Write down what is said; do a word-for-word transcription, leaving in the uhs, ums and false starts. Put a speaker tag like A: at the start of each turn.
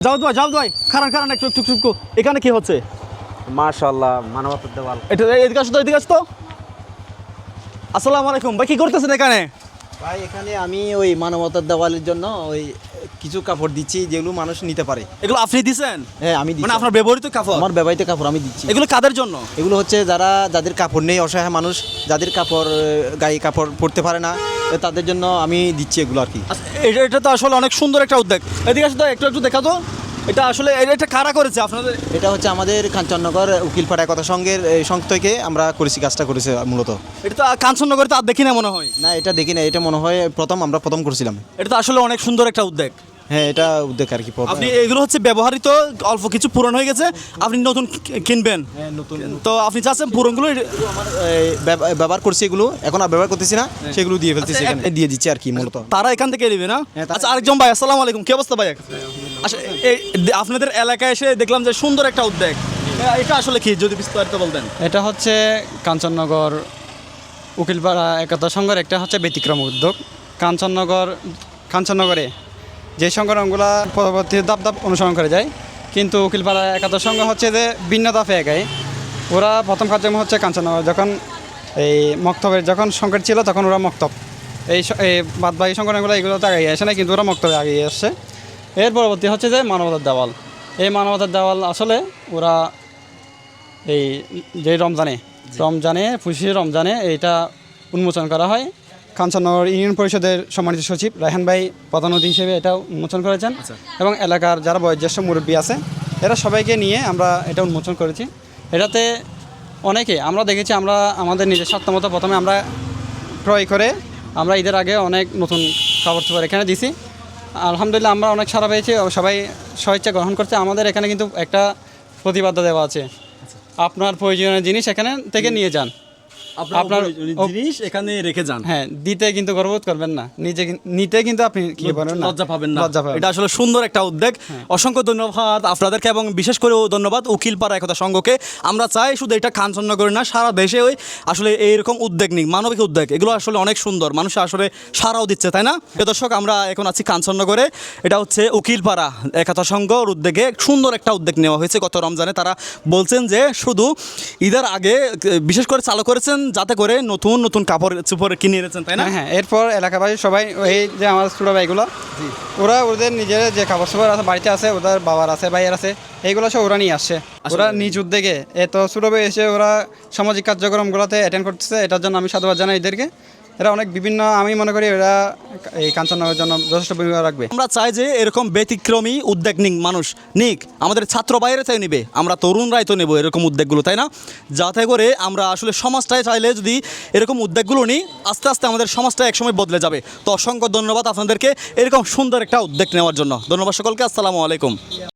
A: যাও ভাই যাও ভাই খারান খারান একটু একটু একটু এখানে কি হচ্ছে?
B: মাশাআল্লাহ মানবতার দেওয়াল।
A: এটা এদিকে আসো তো, এদিকে আসো তো। আসসালামু আলাইকুম ভাই, কি করতেছেন এখানে?
C: ভাই এখানে আমি ওই মানবতার দেওয়ালের জন্য ওই কিছু কাপড় দিচ্ছি যেগুলো মানুষ নিতে পারে।
A: এগুলো আপনি দিছেন?
C: হ্যাঁ আমি দিচ্ছি।
A: মানে আপনার ব্যবহৃত কাপড়?
C: আমার ব্যবহৃত কাপড় আমি দিচ্ছি।
A: এগুলো কাদের জন্য?
C: এগুলো হচ্ছে যারা যাদের কাপড় নেই, অসহায় মানুষ যাদের কাপড় গায়ে কাপড় পরতে পারে না, তাদের জন্য আমি দিচ্ছি এগুলো আর কি।
A: আচ্ছা, এটা এটা তো আসলে অনেক সুন্দর একটা উদ্যোগ। এদিকে আসো তো, একটু একটু দেখা তো। এটা আসলে এটা এটা কারা করেছে আপনাদের?
C: এটা হচ্ছে আমাদের কাঞ্চননগর উকিলপাড়া কথা সংঘের এই সংঘ থেকে আমরা করেছি, কাজটা করেছে মূলত।
A: এটা তো কাঞ্চননগরে তো আর দেখি না মনে হয়।
C: না এটা দেখি না, এটা মনে হয় প্রথম আমরা প্রথম করেছিলাম।
A: এটা তো আসলে অনেক সুন্দর একটা উদ্যোগ।
C: হ্যাঁ এটা উদ্যোগ আর কি।
A: আপনি এগুলো হচ্ছে ব্যবহৃত, অল্প কিছু পুরনো হয়ে গেছে, আপনি নতুন কি- কিনবেন।
C: হ্যাঁ, নতুন
A: তো আপনি চাচ্ছেন পুরনগুলো?
C: আমার এই, ব্যব- ব্যবহার করছি এগুলো, এখন আর ব্যবহার করতেছি না, সেগুলো দিয়ে ফেলতেছি,
A: আচ্ছা,
C: এখানে দিয়ে দিচ্ছি আর কি মূলত।
A: তারা এখান থেকে নেবে না?
C: হ্যাঁ, তারা-
A: আচ্ছা, আরেকজন ভাই, আসসালামু আলাইকুম, কি অবস্থা ভাই? আচ্ছা, এই দে- আপনাদের এলাকায় এসে দেখলাম যে সুন্দর একটা উদ্যোগ। এ- এটা আসলে কি, যদি বিস্তারিত বলতেন।
D: এটা হচ্ছে কাঞ্চননগর উকিলপাড়া একতা সংঘের একটা হচ্ছে ব্যতিক্রম উদ্যোগ। কাঞ্চননগর কাঞ্চননগরে যে সংগঠনগুলো পরবর্তী ধাপ ধাপ অনুসরণ করে যায়, কিন্তু উকিলপাড়া একাত্তর সংঘ হচ্ছে যে ভিন্ন ধাপে এগায়। ওরা প্রথম কার্যক্রম হচ্ছে কাঞ্চননগর যখন এই মক্তবের যখন সংকট ছিল তখন ওরা মক্তব, এই স- এই বাদবাকি সংগঠনগুলো এগুলো তো আগে আসে না, কিন্তু ওরা মক্তবে আগিয়ে আসছে। এর পরবর্তী হচ্ছে যে মানবতার দেওয়াল। এই মানবতার দেওয়াল আসলে ওরা এই যে রমজানে রমজানে খুশি রমজানে এইটা উন্মোচন করা হয়। কাঞ্চননগর ইউনিয়ন পরিষদের সম্মানিত সচিব রায়হান ভাই প্রধান অতিথি হিসেবে এটা উন্মোচন করেছেন, এবং এলাকার যারা বয়োজ্যেষ্ঠ মুরব্বী আছে এরা সবাইকে নিয়ে আমরা এটা উন্মোচন করেছি। এটাতে অনেকে আমরা দেখেছি, আমরা আমাদের নিজের স্বার্থমতো প্রথমে আমরা ক্রয় করে আমরা ঈদের আগে অনেক নতুন কাপড় চোপড় এখানে দিছি। আলহামদুলিল্লাহ আমরা অনেক সাড়া পেয়েছি, সবাই স্বেচ্ছা গ্রহণ করছে। আমাদের এখানে কিন্তু একটা প্রতিবাদ্য দেওয়া আছে, আপনার প্রয়োজনীয় জিনিস এখানে থেকে নিয়ে যান,
A: আপনার
D: আপনার-
A: জিনিস এখানে রেখে যান।
D: হ্যাঁ দিতে কিন্তু গর্ববোধ করবেন না, নিজে নিতে কিন্তু আপনি কি পারেন না,
A: লজ্জা পাবেন না।
D: লজ্জা পাবেন।
A: এটা আসলে সুন্দর একটা উদ্যোগ। অসংখ্য ধন্যবাদ আপনাদেরকে, এবং বিশেষ করে ধন্যবাদ উকিলপাড়া একতা সংঘকে। আমরা চাই শুধু এটা কাঞ্চননগরে না, সারা দেশে ওই আসলে এইরকম উদ্যোগ নিক, মানবিক উদ্যোগ। এগুলো আসলে অনেক সুন্দর, মানুষ আসলে সারাও দিচ্ছে, তাই না? প্রিয় দর্শক, আমরা এখন আছি কাঞ্চননগরে। এটা হচ্ছে উকিলপাড়া একতা সংঘর উদ্যোগে সুন্দর একটা উদ্যোগ নেওয়া হয়েছে গত রমজানে। তারা বলছেন যে শুধু ঈদের আগে বিশেষ করে চালু করেছেন যাতে করে নতুন নতুন কাপড় চোপড় কিনে এনেছেন, তাই না?
D: হ্যাঁ হ্যাঁ এরপর এলাকাবাসী সবাই এই যে আমার ছোটো ভাইগুলো, ওরা ওদের নিজের যে কাপড় চোপড় আছে বাড়িতে আছে, ওদের বাবার আছে ভাইয়ের আছে, এইগুলো সব ওরা নিয়ে আসছে। ওরা নিজ উদ্যোগে এত ছোটো ভাই এসে ওরা সামাজিক কার্যক্রমগুলোতে অ্যাটেন্ড করতেছে, এটার জন্য আমি সাধুবাদ জানাই এদেরকে। এরা অনেক বিভিন্ন, আমি মনে করি এরা এই কাঞ্চননগরের জন্য যথেষ্ট ভূমিকা রাখবে।
A: আমরা চাই যে এরকম ব্যতিক্রমী উদ্যোগ নিক মানুষ, নিক আমাদের ছাত্র বাইরে চাই নিবে, আমরা তরুণরাই তো নেব এরকম উদ্যোগগুলো, তাই না? যাতে করে আমরা আসলে সমাজটায় চাইলে যদি এরকম উদ্যোগগুলো নিই, আস্তে আস্তে আমাদের সমাজটা একসময় বদলে যাবে। তো অসংখ্য ধন্যবাদ আপনাদেরকে এরকম সুন্দর একটা উদ্যোগ নেওয়ার জন্য। ধন্যবাদ সকলকে, আসসালামু আলাইকুম।